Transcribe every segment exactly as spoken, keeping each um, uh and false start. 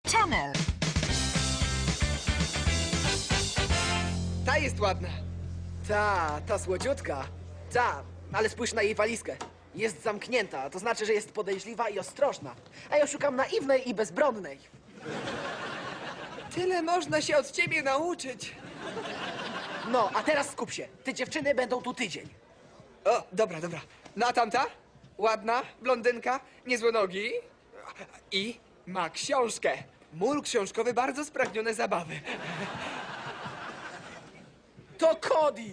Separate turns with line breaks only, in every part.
Channel.
Ta jest ładna. Ta, ta słodziutka. Ta, ale spójrz na jej walizkę. Jest zamknięta, to znaczy, że jest podejrzliwa i ostrożna. A ja szukam naiwnej i bezbronnej. Tyle można się od ciebie nauczyć. No, a teraz skup się. Te dziewczyny będą tu tydzień. O, dobra, dobra. No a tamta? Ładna, blondynka, niezłe nogi i ma książkę. Mól książkowy bardzo spragnione zabawy. To Cody!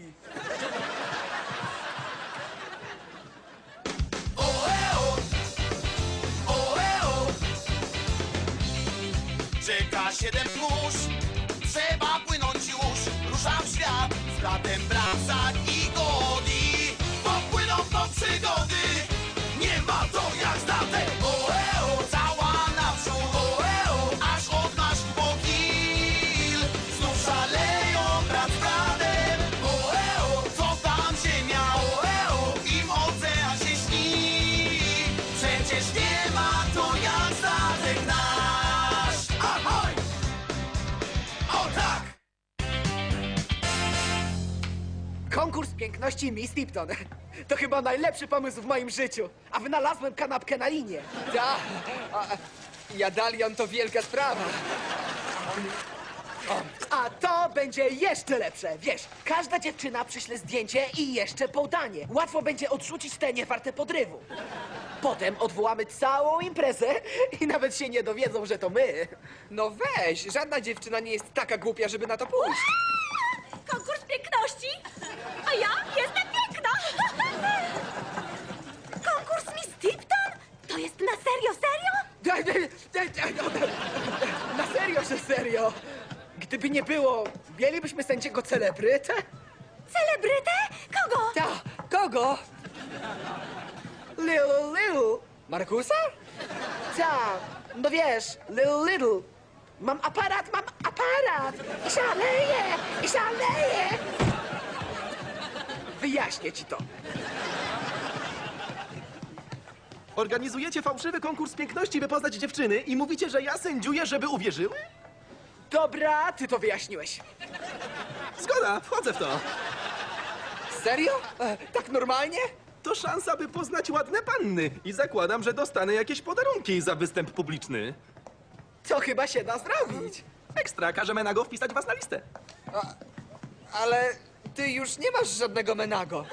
Czeka siedem mórz, trzeba płynąć już. Ruszam w świat z bratem Bramsak i Godi. Popłyną po przygody, nie ma to jak statek. Oeo, cała naprzód, oeo, aż od nasz pokil. Znów szaleją brat z bratem, oeo, co tam ziemia, oeo, im ocean się śni. Przecież nie ma to jak statek nasz. Ahoj! O tak!
Konkurs piękności Miss Tipton. To chyba najlepszy pomysł w moim życiu. A wynalazłem kanapkę na linie. Ta, a, jadalion to wielka sprawa. A to będzie jeszcze lepsze. Wiesz, każda dziewczyna przyśle zdjęcie i jeszcze podanie. Łatwo będzie odrzucić te niewarte podrywu. Potem odwołamy całą imprezę i nawet się nie dowiedzą, że to my. No weź, żadna dziewczyna nie jest taka głupia, żeby na to pójść.
Konkurs piękności? A ja jestem piękna! Konkurs Miss Tipton? To jest na serio, serio?
Na serio, że serio. Gdyby nie było, mielibyśmy sędziego celebrytę?
Celebrytę? Kogo?
Ta, kogo? Little Little. Markusa? Ta, no wiesz, Little Little. Mam aparat, mam aparat! I szaleję, i szaleję! Wyjaśnię ci to.
Organizujecie fałszywy konkurs piękności, by poznać dziewczyny i mówicie, że ja sędziuję, żeby uwierzyły?
Dobra, ty to wyjaśniłeś.
Zgoda, wchodzę w to.
Serio? E, tak normalnie?
To szansa, by poznać ładne panny i zakładam, że dostanę jakieś podarunki za występ publiczny.
To chyba się da zrobić.
Ekstra, każe Menago wpisać was na listę.
Ale ty już nie masz żadnego Menago.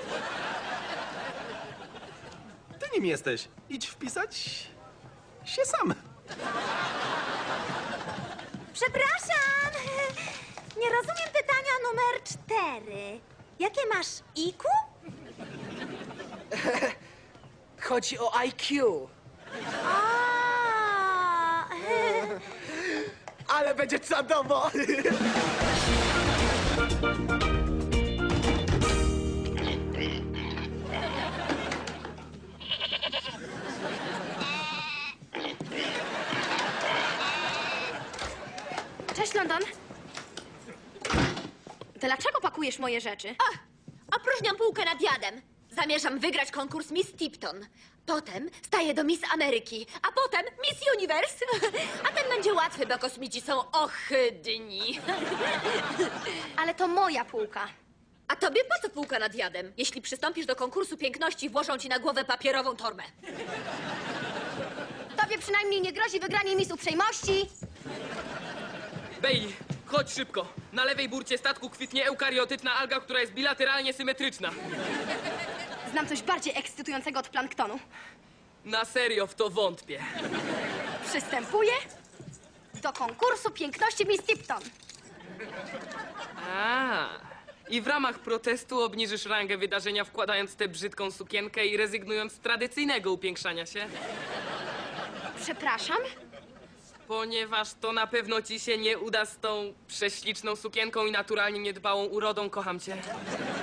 Ty nim jesteś. Idź wpisać się sam.
Przepraszam! Nie rozumiem pytania numer cztery. Jakie masz I Q?
Chodzi o I Q.
A,
Ale będzie czadowo!
Cześć, London. Dlaczego pakujesz moje rzeczy?
A, opróżniam półkę nad jadem. Zamierzam wygrać konkurs Miss Tipton. Potem staję do Miss Ameryki, a potem Miss Universe. A ten będzie łatwy, bo kosmici są ohydni.
Ale to moja półka.
A tobie po co półka nad jadem? Jeśli przystąpisz do konkursu piękności, włożą ci na głowę papierową torbę.
Tobie przynajmniej nie grozi wygranie Miss Uprzejmości.
Bailey, chodź szybko. Na lewej burcie statku kwitnie eukariotyczna alga, która jest bilateralnie symetryczna.
Znam coś bardziej ekscytującego od planktonu.
Na serio w to wątpię.
Przystępuję do konkursu piękności Miss Tipton.
A, i w ramach protestu obniżysz rangę wydarzenia, wkładając tę brzydką sukienkę i rezygnując z tradycyjnego upiększania się?
Przepraszam?
Ponieważ to na pewno ci się nie uda z tą prześliczną sukienką i naturalnie niedbałą urodą. Kocham cię.